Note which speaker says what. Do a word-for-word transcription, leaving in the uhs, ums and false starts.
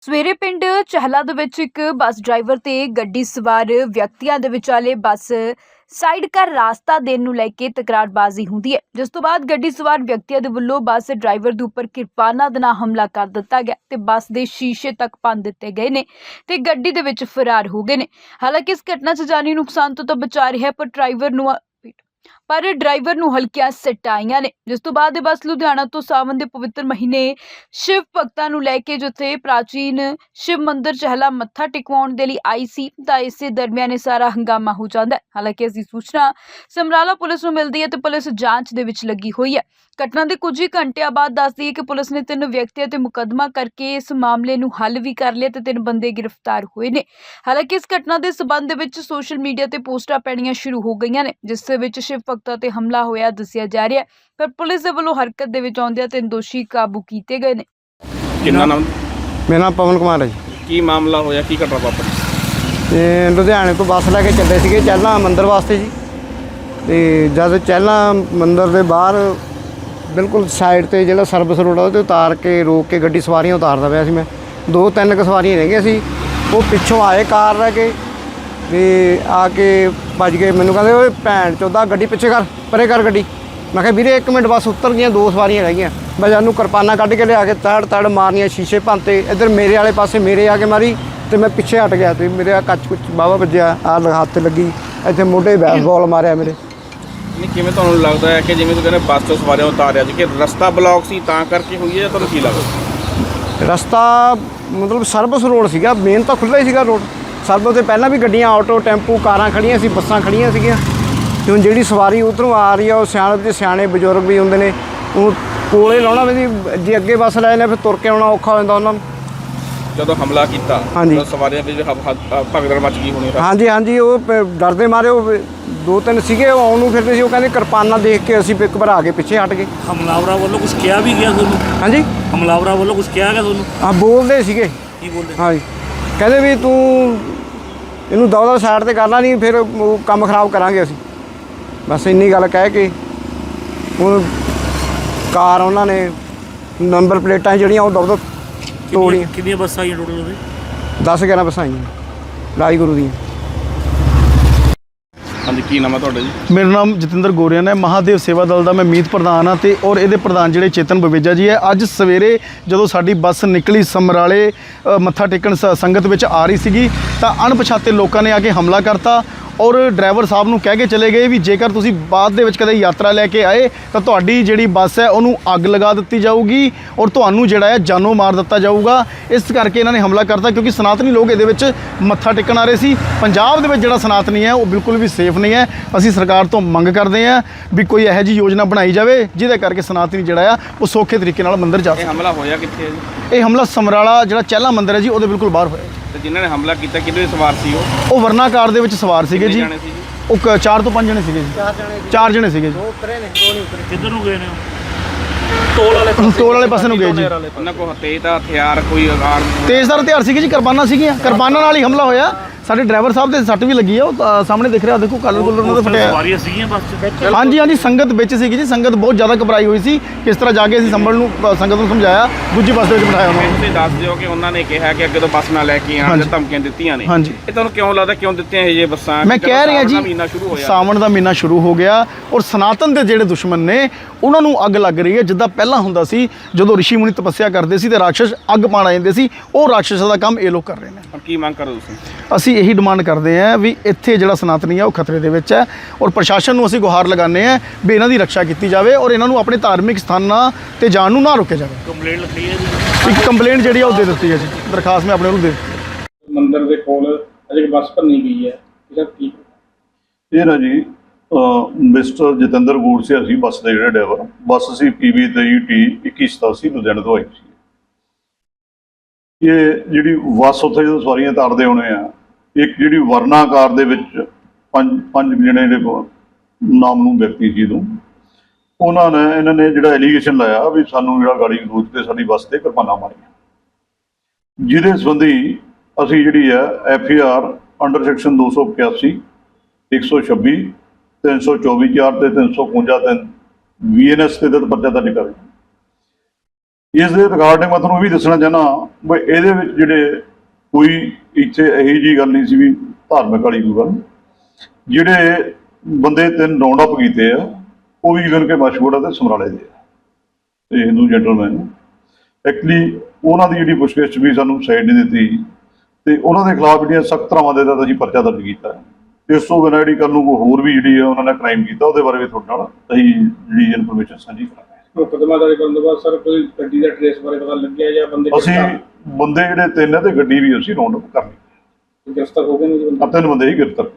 Speaker 1: ਸਵੇਰੇ ਪਿੰਡ ਚਹਿਲਾ ਦੇ ਵਿੱਚ ਇੱਕ ਬੱਸ ਡਰਾਈਵਰ ਤੇ ਗੱਡੀ ਸਵਾਰ ਵਿਅਕਤੀਆਂ ਦੇ ਵਿਚਾਲੇ ਬੱਸ ਸਾਈਡ ਕਰ ਰਾਸਤਾ ਦੇਣ ਨੂੰ ਲੈ ਕੇ ਤਕਰਾਰਬਾਜ਼ੀ ਹੁੰਦੀ ਹੈ, ਜਿਸ ਤੋਂ ਬਾਅਦ ਗੱਡੀ ਸਵਾਰ ਵਿਅਕਤੀਆਂ ਦੇ ਵੱਲੋਂ ਬੱਸ ਡਰਾਈਵਰ ਦੇ ਉੱਪਰ ਕਿਰਪਾਨਾਂ ਦੇ ਨਾਲ ਹਮਲਾ ਕਰ ਦਿੱਤਾ ਗਿਆ ਤੇ ਬੱਸ ਦੇ ਸ਼ੀਸ਼ੇ ਤੱਕ ਭੰਨ ਦਿੱਤੇ ਗਏ ਨੇ ਤੇ ਗੱਡੀ ਦੇ ਵਿੱਚ ਫਰਾਰ ਹੋ ਗਏ ਨੇ। ਹਾਲਾਂਕਿ ਇਸ ਘਟਨਾ 'ਚ ਜਾਨੀ ਨੁਕਸਾਨ ਤੋਂ ਤਾਂ ਬਚਾ ਰਿਹਾ, ਪਰ ਡਰਾਈਵਰ ਨੂੰ ਪਰ ਡਰਾਈਵਰ ਨੂੰ ਹਲਕੀਆਂ ਸੱਟਾਂ ਆਈਆਂ ਨੇ। ਜਿਸ ਤੋਂ ਬਾਅਦ ਇਹ ਬੱਸ ਲੁਧਿਆਣਾ ਤੋਂ ਸਾਵਣ ਦੇ ਪਵਿੱਤਰ ਮਹੀਨੇ ਸ਼ਿਵ ਭਗਤਾਂ ਨੂੰ ਲੈ ਕੇ ਜਿੱਥੇ ਪ੍ਰਾਚੀਨ ਸ਼ਿਵ ਮੰਦਿਰ ਚਹਿਲਾ ਮੱਥਾ ਟੇਕਵਾਉਣ ਦੇ ਲਈ ਆਈ ਸੀ ਤਾਂ ਇਸੇ ਦਰਮਿਆਨ ਇਹ ਸਾਰਾ ਹੰਗਾਮਾ ਹੋ ਜਾਂਦਾ ਹੈ। ਹਾਲਾਂਕਿ ਇਸ ਦੀ ਸੂਚਨਾ ਸਮਰਾਲਾ ਪੁਲਿਸ ਨੂੰ ਮਿਲਦੀ ਹੈ ਤੇ ਪੁਲਿਸ ਜਾਂਚ ਦੇ ਵਿੱਚ ਲੱਗੀ ਹੋਈ ਹੈ। ਘਟਨਾ ਦੇ ਕੁਝ ਹੀ ਘੰਟਿਆਂ ਬਾਅਦ ਦੱਸਦੀ ਹੈ ਕਿ ਪੁਲਿਸ ਨੇ ਤਿੰਨ ਵਿਅਕਤੀਆਂ ਤੇ ਮੁਕੱਦਮਾ ਕਰਕੇ ਇਸ ਮਾਮਲੇ ਨੂੰ ਹੱਲ ਵੀ ਕਰ ਲਿਆ ਤੇ ਤਿੰਨ ਬੰਦੇ ਗ੍ਰਿਫਤਾਰ ਹੋਏ ਨੇ। ਹਾਲਾਂਕਿ ਇਸ ਘਟਨਾ ਦੇ ਸਬੰਧ ਦੇ ਵਿੱਚ ਸੋਸ਼ਲ ਮੀਡੀਆ ਤੇ ਪੋਸਟਾਂ ਪੈਣੀਆਂ ਸ਼ੁਰੂ ਹੋ ਗਈਆਂ ਨੇ, ਜਿਸ ਦੇ ਵਿੱਚ ਸ਼ਿਵ ਭਗਤਾਂ ਤੇ ਹਮਲਾ ਹੋਇਆ ਦੱਸਿਆ ਜਾ ਰਿਹਾ ਹੈ, ਪਰ ਪੁਲਿਸ ਦੇ ਵੱਲੋਂ ਹਰਕਤ ਦੇ ਵਿੱਚ ਆਉਂਦਿਆਂ ਤਿੰਨ ਦੋਸ਼ੀ ਕਾਬੂ ਕੀਤੇ ਗਏ ਨੇ।
Speaker 2: ਕਿੰਨਾ ਨਾਮ?
Speaker 3: ਮੇਰਾ ਨਾਮ ਪਵਨ ਕੁਮਾਰ ਹੈ ਜੀ।
Speaker 2: ਕੀ ਮਾਮਲਾ ਹੋਇਆ, ਕੀ ਘਟਨਾ ਵਾਪਰੀ?
Speaker 3: ਤੇ ਲੁਧਿਆਣੇ ਤੋਂ ਬੱਸ ਲੈ ਕੇ ਚੱਲੇ ਸੀਗੇ ਚਹਿਲਾਂ ਮੰਦਿਰ ਵਾਸਤੇ ਜੀ। ਤੇ ਜਦ ਚਹਿਲਾਂ ਮੰਦਿਰ ਦੇ ਬਾਹਰ ਬਿਲਕੁਲ ਸਾਈਡ ਤੇ ਜਿਹੜਾ ਸਰਵਿਸ ਰੋਡ ਆ ਉਹਦੇ ਉਤਾਰ ਕੇ ਰੋਕ ਕੇ ਗੱਡੀ ਸਵਾਰੀਆਂ ਉਤਾਰਦਾ ਪਿਆ ਸੀ। ਮੈਂ ਦੋ ਤਿੰਨ ਕੁ ਸਵਾਰੀਆਂ ਰਹਿ ਗਈਆਂ ਸੀ, ਉਹ ਪਿੱਛੋਂ ਆਏ ਕਾਰ ਲੈ ਕੇ ਤੇ ਆ ਕੇ ਭੱਜ ਗਏ। ਮੈਨੂੰ ਕਹਿੰਦੇ ਓਏ ਭੈਣ ਚੋਦਾ ਗੱਡੀ ਪਿੱਛੇ ਕਰ, ਪਰੇ ਕਰ ਗੱਡੀ। ਮੈਂ ਕਿਹਾ ਵੀਰੇ ਇੱਕ ਮਿੰਟ, ਬਸ ਉਤਰ ਗਈਆਂ, ਦੋ ਸਵਾਰੀਆਂ ਰਹਿ ਗਈਆਂ। ਮੈਂ ਜਾਨੂੰ ਕਿਰਪਾਨਾਂ ਕੱਢ ਕੇ ਲਿਆ ਕੇ ਤੜ ਤੜ ਮਾਰਨੀਆਂ, ਸ਼ੀਸ਼ੇ ਭੰਨਤੇ। ਇੱਧਰ ਮੇਰੇ ਵਾਲੇ ਪਾਸੇ ਮੇਰੇ ਆ ਕੇ ਮਾਰੀ ਤੇ ਮੈਂ ਪਿੱਛੇ ਹਟ ਗਿਆ ਤੇ ਮੇਰੇ ਆ ਕੱਚ ਕੁੱਚ ਬਾਵਾ ਵੱਜਿਆ, ਆਹ ਹੱਥ ਲੱਗੀ, ਇੱਥੇ ਮੋਢੇ ਬੈਸਬਾਲ ਮਾਰਿਆ ਮੇਰੇ।
Speaker 2: ਨਹੀਂ, ਕਿਵੇਂ ਤੁਹਾਨੂੰ ਲੱਗਦਾ ਹੈ ਕਿ ਜਿਵੇਂ ਤੁਸੀਂ ਕਹਿੰਦੇ ਬੱਸ ਤੋਂ ਸਵਾਰੀਆਂ ਉਤਾਰਿਆ ਸੀ ਕਿ ਰਸਤਾ ਬਲੌਕ ਸੀ ਤਾਂ ਕਰਕੇ ਹੋਈ ਹੈ, ਜਾਂ ਤੁਹਾਨੂੰ ਕੀ ਲੱਗਦਾ?
Speaker 3: ਰਸਤਾ ਮਤਲਬ ਸਰਵਿਸ ਰੋਡ ਸੀਗਾ, ਮੇਨ ਤਾਂ ਖੁੱਲ੍ਹਾ ਹੀ ਸੀਗਾ ਰੋਡ। ਸਰਵਿਸ ਤੋਂ ਪਹਿਲਾਂ ਵੀ ਗੱਡੀਆਂ, ਆਟੋ, ਟੈਂਪੂ, ਕਾਰਾਂ ਖੜੀਆਂ ਸੀ, ਬੱਸਾਂ ਖੜੀਆਂ ਸੀਗੀਆਂ। ਤੇ ਹੁਣ ਜਿਹੜੀ ਸਵਾਰੀ ਉੱਧਰੋਂ ਆ ਰਹੀ ਆ ਉਹ ਸਿਆਣੇ ਤੇ ਸਿਆਣੇ ਬਜ਼ੁਰਗ ਵੀ ਹੁੰਦੇ ਨੇ, ਉਹ ਕੋਲੇ ਲਾਉਣਾ ਵੀ ਜੇ ਅੱਗੇ ਬੱਸ ਲੈ ਜਾਂਦੇ ਫਿਰ ਤੁਰ ਕੇ ਆਉਣਾ ਔਖਾ ਹੋ ਜਾਂਦਾ ਉਹਨਾਂ ਨੂੰ।
Speaker 2: ਜਦੋਂ ਹਮਲਾ ਕੀਤਾ
Speaker 3: ਹਾਂਜੀ,
Speaker 2: ਸਵਾਰੀਆਂ ਵਿੱਚ ਭਗਦੜ ਮਚ ਗਈ ਹੋਣੀ।
Speaker 3: ਹਾਂਜੀ ਹਾਂਜੀ, ਉਹ ਡਰਦੇ ਮਾਰੇ ਉਹ ਦੋ ਤਿੰਨ ਸੀਗੇ, ਉਹ ਆਉਣ ਨੂੰ ਫਿਰਦੇ ਸੀ। ਉਹ ਕਹਿੰਦੇ ਕਿਰਪਾਨਾਂ ਦੇਖ ਕੇ ਅਸੀਂ ਇੱਕ ਘਬਰਾ ਕੇ ਪਿੱਛੇ ਹਟ ਗਏ।
Speaker 4: ਹਮਲਾਵਰਾਂ ਵੱਲੋਂ ਕੁਝ ਕਿਹਾ ਵੀ ਗਿਆ ਤੁਹਾਨੂੰ?
Speaker 3: ਹਾਂਜੀ,
Speaker 4: ਹਮਲਾਵਰਾਂ ਵੱਲੋਂ ਕੁਝ ਕਿਹਾ ਗਿਆ ਤੁਹਾਨੂੰ?
Speaker 3: ਹਾਂ, ਬੋਲਦੇ ਸੀਗੇ।
Speaker 4: ਕੀ ਬੋਲਦੇ?
Speaker 3: ਹਾਂਜੀ, ਕਹਿੰਦੇ ਵੀ ਤੂੰ ਇਹਨੂੰ ਦੌੜਾ ਸਾਈਡ ਤੇ ਕਰਨਾ ਨਹੀਂ, ਫਿਰ ਉਹ ਕੰਮ ਖਰਾਬ ਕਰਾਂਗੇ ਅਸੀਂ। ਬਸ ਇੰਨੀ ਗੱਲ ਕਹਿ ਕੇ ਹੁਣ ਕਾਰ ਉਹਨਾਂ ਨੇ ਨੰਬਰ ਪਲੇਟਾਂ ਜਿਹੜੀਆਂ ਉਹ ਦੌੜ ਤੋੜੀਆਂ।
Speaker 4: ਕਿੰਨੀਆਂ ਬੱਸਾਂ ਆਈਆਂ ਟੋਟਲ ਉਹਦੇ?
Speaker 3: ਦਸ ਗਿਆਰਾਂ ਬੱਸਾਂ ਆਈਆਂ ਰਾਜ ਗੁਰੂ ਦੀਆਂ।
Speaker 2: ਹਾਂਜੀ, ਕੀ ਨਾਮ ਹੈ ਤੁਹਾਡਾ ਜੀ?
Speaker 5: ਮੇਰਾ ਨਾਮ ਜਤਿੰਦਰ ਗੋਰੀਆਨ ਹੈ। ਮਹਾਦੇਵ ਸੇਵਾ ਦਲ ਦਾ ਮੈਂ ਮੀਤ ਪ੍ਰਧਾਨ ਹਾਂ ਤੇ ਔਰ ਇਹਦੇ ਪ੍ਰਧਾਨ ਜਿਹੜੇ ਚੇਤਨ ਬਵੇਜਾ ਜੀ ਹੈ। ਅੱਜ ਸਵੇਰੇ ਜਦੋਂ ਸਾਡੀ ਬੱਸ ਨਿਕਲੀ ਸਮਰਾਲੇ ਮੱਥਾ ਟੇਕਣ ਸ ਸੰਗਤ ਵਿੱਚ ਆ ਰਹੀ ਸੀਗੀ ਤਾਂ ਅਣਪਛਾਤੇ ਲੋਕਾਂ ਨੇ ਆ ਕੇ ਹਮਲਾ ਕਰਤਾ ਔਰ ਡਰਾਈਵਰ ਸਾਹਿਬ ਨੂੰ ਕਹਿ ਕੇ ਚਲੇ ਗਏ ਵੀ ਜੇਕਰ ਤੁਸੀਂ ਬਾਅਦ ਦੇ ਵਿੱਚ ਕਦੇ ਯਾਤਰਾ ਲੈ ਕੇ ਆਏ ਤਾਂ ਤੁਹਾਡੀ ਜਿਹੜੀ ਬੱਸ ਹੈ ਉਹਨੂੰ ਅੱਗ ਲਗਾ ਦਿੱਤੀ ਜਾਊਗੀ ਔਰ ਤੁਹਾਨੂੰ ਜਿਹੜਾ ਹੈ ਜਾਨੋਂ ਮਾਰ ਦਿੱਤਾ ਜਾਊਗਾ। ਇਸ ਕਰਕੇ ਇਹਨਾਂ ਨੇ ਹਮਲਾ ਕਰਤਾ ਕਿਉਂਕਿ ਸਨਾਤਨੀ ਲੋਕ ਇਹਦੇ ਵਿੱਚ ਮੱਥਾ ਟੇਕਣ ਆ ਰਹੇ ਸੀ। ਪੰਜਾਬ ਦੇ ਵਿੱਚ ਜਿਹੜਾ ਸਨਾਤਨੀ ਹੈ ਉਹ ਬਿਲਕੁਲ ਵੀ ਸੇਫ ਨਹੀਂ ਹੈ। ਅਸੀਂ ਸਰਕਾਰ ਤੋਂ ਮੰਗ ਕਰਦੇ ਹਾਂ ਵੀ ਕੋਈ ਇਹੋ ਜਿਹੀ ਯੋਜਨਾ ਬਣਾਈ ਜਾਵੇ ਜਿਹਦੇ ਕਰਕੇ ਸਨਾਤਨੀ ਜਿਹੜਾ ਆ ਉਹ ਸੌਖੇ ਤਰੀਕੇ ਨਾਲ ਮੰਦਿਰ ਜਾ ਸਕੇ।
Speaker 2: ਇਹ ਹਮਲਾ ਹੋਇਆ ਕਿੱਥੇ ਹੈ ਜੀ?
Speaker 5: ਇਹ ਹਮਲਾ ਸਮਰਾਲਾ ਜਿਹੜਾ ਚਹਿਲਾ ਮੰਦਿਰ ਹੈ ਜੀ ਉਹਦੇ ਬਿਲਕੁਲ ਬਾਹਰ ਹੋਇਆ।
Speaker 2: ਤੇ ਜਿਨ੍ਹਾਂ ਨੇ ਹਮਲਾ ਕੀਤਾ ਕਿਹਦੇ ਸਵਾਰ ਸੀ ਉਹ?
Speaker 5: ਉਹ ਵਰਨਾ ਕਾਰ ਦੇ ਵਿੱਚ ਸਵਾਰ ਸੀਗੇ ਜੀ।
Speaker 2: ਜਾਣੇ ਸੀ ਜੀ?
Speaker 5: ਉਹ ਕ- ਚਾਰ ਤੋਂ ਪੰਜ ਜਣੇ ਸੀਗੇ ਜੀ। ਚਾਰ ਜਣੇ ਚਾਰ ਜਣੇ ਸੀਗੇ ਜੀ।
Speaker 3: ਦੋ ਉਤਰੇ ਨੇ, ਦੋ ਨਹੀਂ ਉਤਰੇ।
Speaker 4: ਕਿੱਧਰ ਨੂੰ ਗਏ ਨੇ ਉਹ? ਟੋਲ ਵਾਲੇ
Speaker 5: ਟੋਲ ਵਾਲੇ ਪਾਸੇ ਨੂੰ ਗਏ ਜੀ।
Speaker 2: ਉਹਨਾਂ ਕੋਲ ਤੇਜ਼ ਦਾ ਹਥਿਆਰ ਕੋਈ ਆਰ
Speaker 5: ਤੇਜ਼ਦਾਰ ਹਥਿਆਰ ਸੀਗੇ ਜੀ, ਕਿਰਪਾਨਾਂ ਸੀਗੀਆਂ। ਕਿਰਪਾਨਾਂ ਨਾਲ ਹੀ ਹਮਲਾ ਹੋਇਆ। ਸਾਡੇ ਡਰਾਈਵਰ ਸਾਹਿਬ ਦੇ ਸੱਟ ਵੀ ਲੱਗੀ ਆ, ਉਹ ਅ, ਸਾਹਮਣੇ ਦਿਖ ਰਿਹਾ, ਦੇਖੋ ਕਲਰ ਕੁਲਰ ਉਹਨਾਂ ਦਾ ਫਟਿਆ।
Speaker 4: ਸਵਾਰੀਆਂ ਸੀਗੀਆਂ ਬੱਸ 'ਚ?
Speaker 5: ਹਾਂਜੀ ਹਾਂਜੀ, ਸੰਗਤ ਵਿੱਚ ਸੀਗੀ ਜੀ। ਸੰਗਤ ਬਹੁਤ ਜ਼ਿਆਦਾ ਘਬਰਾਈ ਹੋਈ ਸੀ। ਕਿਸ ਤਰ੍ਹਾਂ ਜਾ ਕੇ ਅਸੀਂ ਸੰਭਲ ਨੂੰ ਅ, ਸੰਗਤ ਨੂੰ ਸਮਝਾਇਆ, ਦੂਜੀ ਬੱਸ ਦੇ ਵਿੱਚ ਬਿਠਾਇਆ ਉਹਨਾਂ ਨੂੰ।
Speaker 2: ਤੁਸੀਂ ਦੱਸ ਦਿਓ ਕਿ ਉਹਨਾਂ ਨੇ ਕਿਹਾ ਕਿ ਅੱਗੇ ਤੋਂ ਬੱਸ ਨਾ ਲੈ ਕੇ ਆਉਣ ਜਾਂ ਧਮਕੀਆਂ ਦਿੱਤੀਆਂ ਨੇ।
Speaker 5: ਹਾਂਜੀ,
Speaker 2: ਇਹ ਤੁਹਾਨੂੰ ਕਿਉਂ ਲੱਗਦਾ ਕਿਉਂ ਦਿੱਤੀਆਂ ਇਹ ਜੇ ਬੱਸਾਂ?
Speaker 5: ਮੈਂ ਕਹਿ ਰਿਹਾ ਜੀ,
Speaker 2: ਮਹੀਨਾ ਸ਼ੁਰੂ ਹੋਇਆ,
Speaker 5: ਸਾਵਣ ਦਾ ਮਹੀਨਾ ਸ਼ੁਰੂ ਹੋ ਗਿਆ ਔਰ ਸਨਾਤਨ ਦੇ ਜਿਹੜੇ ਦੁਸ਼ਮਣ ਨੇ ਉਹਨਾਂ ਨੂੰ ਅੱਗ ਲੱਗ ਰਹੀ ਹੈ। ਜਿੱਦਾਂ ਪਹਿਲਾਂ ਹੁੰਦਾ ਸੀ ਜਦੋਂ ਰਿਸ਼ੀ ਮੁਨੀ ਤਪੱਸਿਆ ਕਰਦੇ ਸੀ ਤੇ ਰਾਖਸ਼ ਅੱਗ ਪਾਣ ਆ ਜਾਂਦੇ ਸੀ, ਉਹ ਰਾਖਸ਼ ਦਾ ਕੰਮ ਇਹ ਲੋਕ ਕਰ ਰਹੇ ਨੇ।
Speaker 2: ਹੁਣ ਕੀ ਮੰਗ ਕਰੋ ਤੁਸੀਂ?
Speaker 5: ਅਸੀਂ ਇਹੀ ਡਿਮਾਂਡ ਕਰਦੇ ਹਾਂ ਵੀ ਇੱਥੇ ਜਿਹੜਾ ਸਨਾਤਨੀ ਹੈ ਉਹ ਖਤਰੇ ਦੇ ਵਿੱਚ ਹੈ ਔਰ ਪ੍ਰਸ਼ਾਸਨ ਨੂੰ ਅਸੀਂ ਗੁਹਾਰ ਲਗਾਉਂਦੇ ਹਾਂ ਵੀ ਇਹਨਾਂ ਦੀ ਰੱਖਿਆ ਕੀਤੀ ਜਾਵੇ ਔਰ ਇਹਨਾਂ ਨੂੰ ਆਪਣੇ ਧਾਰਮਿਕ ਸਥਾਨਾਂ ਤੇ ਜਾਣ ਨੂੰ ਨਾ ਰੋਕਿਆ ਜਾਵੇ।
Speaker 4: ਕੰਪਲੇਂਟ ਲਿਖੀ ਹੈ ਜੀ?
Speaker 5: ਇੱਕ ਕੰਪਲੇਂਟ ਜਿਹੜੀ ਆ ਉਹ ਦੇ ਦਿੱਤੀ ਹੈ ਜੀ, ਦਰਖਾਸਤ ਮੈਂ ਆਪਣੇ ਨੂੰ ਦੇ ਦਿੱਤੀ।
Speaker 2: ਮੰਦਿਰ ਦੇ ਕੋਲ ਅਜੇ ਬੱਸ ਭੰਨੀ ਗਈ ਹੈ, ਇਹਦਾ ਕੀ?
Speaker 6: ਇਹ ਨਾ ਜੀ ਮਿਸਟਰ ਜਤਿੰਦਰ ਗੋੜਸਿਆ ਸੀ ਬੱਸ ਦੇ ਜਿਹੜੇ ਡਰਾਈਵਰ। ਬੱਸ ਸੀ ਪੀ ਵੀ ਤੇਈ ਟੀ ਇੱਕੀ ਸਤਾਸੀ ਲੁਧਿਆਣੇ ਤੋਂ ਆਈ ਸੀ। ਇਹ ਜਿਹੜੀ ਬੱਸ ਉੱਥੇ ਜਦੋਂ ਸਵਾਰੀਆਂ ਤਾਰਦੇ ਹੋਣੇ ਆ, ਇੱਕ ਜਿਹੜੀ ਵਰਨਾ ਕਾਰ ਦੇ ਵਿੱਚ ਪੰਜ ਪੰਜ ਜਣੇ ਜਿਹੜੇ ਨਾਮਨੂ ਵਿਅਕਤੀ ਸੀ ਨੂੰ ਉਹਨਾਂ ਨੇ ਇਹਨਾਂ ਨੇ ਜਿਹੜਾ ਐਲੀਗੇਸ਼ਨ ਲਾਇਆ ਵੀ ਸਾਨੂੰ ਜਿਹੜਾ ਗਾੜੀ ਗਲੋਚ ਤੇ ਸਾਡੀ ਬੱਸ ਤੇ ਕਿਰਪਾਨਾਂ ਮਾਰੀਆਂ, ਜਿਹਦੇ ਸੰਬੰਧੀ ਅਸੀਂ ਜਿਹੜੀ ਹੈ F A R under section ਦੋ ਸੌ ਇਕਿਆਸੀ ਇੱਕ ਸੌ ਛੱਬੀ ਤਿੰਨ ਸੌ ਚੌਵੀ ਚਾਰ ਤੇ ਤਿੰਨ ਸੌ ਇਕਵੰਜਾ ਤਿੰਨ ਵੀ ਐਨ ਐਸ ਤੇ ਪਰਚਾ ਦਰਜ ਕਰ ਇਸ ਦੇ ਰਿਗਾਰਡਿੰਗ ਮੈਂ ਤੁਹਾਨੂੰ ਇਹ ਵੀ ਦੱਸਣਾ ਚਾਹੁੰਦਾ ਵੀ ਇਹਦੇ ਵਿੱਚ ਜਿਹੜੇ ਕੋਈ ਇੱਥੇ ਇਹੋ ਜਿਹੀ ਗੱਲ ਨਹੀਂ ਸੀ ਵੀ ਧਾਰਮਿਕ ਵਾਲੀ ਕੋਈ ਗੱਲ। ਜਿਹੜੇ ਬੰਦੇ ਤਿੰਨ ਰਾਉਂਡ ਅਪ ਕੀਤੇ ਆ ਉਹ ਵੀ ਇਵਨ ਕਿ ਮਸ਼ਹੂਰ ਆ ਤੇ ਸਮਰਾਲੇ ਦੇ ਆ ਤੇ ਹਿੰਦੂ ਜੈਂਟਲਮੈਨ। ਐਕਚੁਅਲੀ ਉਹਨਾਂ ਦੀ ਜਿਹੜੀ ਪੁੱਛਗਿੱਛ ਵੀ ਸਾਨੂੰ ਸਾਈਡ ਨਹੀਂ ਦਿੱਤੀ ਤੇ ਉਹਨਾਂ ਦੇ ਖਿਲਾਫ ਜਿਹੜੀਆਂ ਸਖਤ ਧਾਰਾਵਾਂ ਦੇ ਤਹਿਤ ਅਸੀਂ ਪਰਚਾ ਦਰਜ ਕੀਤਾ। ਇਸ ਤੋਂ ਬਿਨਾਂ ਜਿਹੜੀ ਕੱਲ੍ਹ ਨੂੰ ਕੋਈ ਹੋਰ ਵੀ ਜਿਹੜੀ ਆ ਉਹਨਾਂ ਨੇ ਕ੍ਰਾਈਮ ਕੀਤਾ ਉਹਦੇ ਬਾਰੇ ਵੀ ਤੁਹਾਡੇ ਨਾਲ ਅਸੀਂ ਜਿਹੜੀ ਇਨਫੋਰਮੇਸ਼ਨ ਸਾਂਝੀ ਕਰਾਂਗੇ।
Speaker 2: ਮੁਕੱਦਮਾ ਦਰਜ ਕਰਨ ਤੋਂ ਬਾਅਦ ਸਰ ਕੋਈ ਗੱਡੀ ਦਾ ਟ੍ਰੇਸ ਬਾਰੇ ਪਤਾ ਲੱਗਿਆ ਜਾਂ ਬੰਦੇ
Speaker 6: ਅਸੀਂ ਬੰਦੇ ਜਿਹੜੇ ਤਿੰਨ ਆ ਤੇ ਗੱਡੀ ਵੀ ਅਸੀਂ ਰਾਉਂਡ ਅਪ ਕਰ ਲਈ।
Speaker 2: ਗ੍ਰਿਫਤਾਰ ਹੋ ਗਏ ਨੇ ਜੀ ਬੰਦੇ?
Speaker 6: ਆ ਤਿੰਨ ਬੰਦੇ ਹੀ ਗ੍ਰਿਫਤਾਰ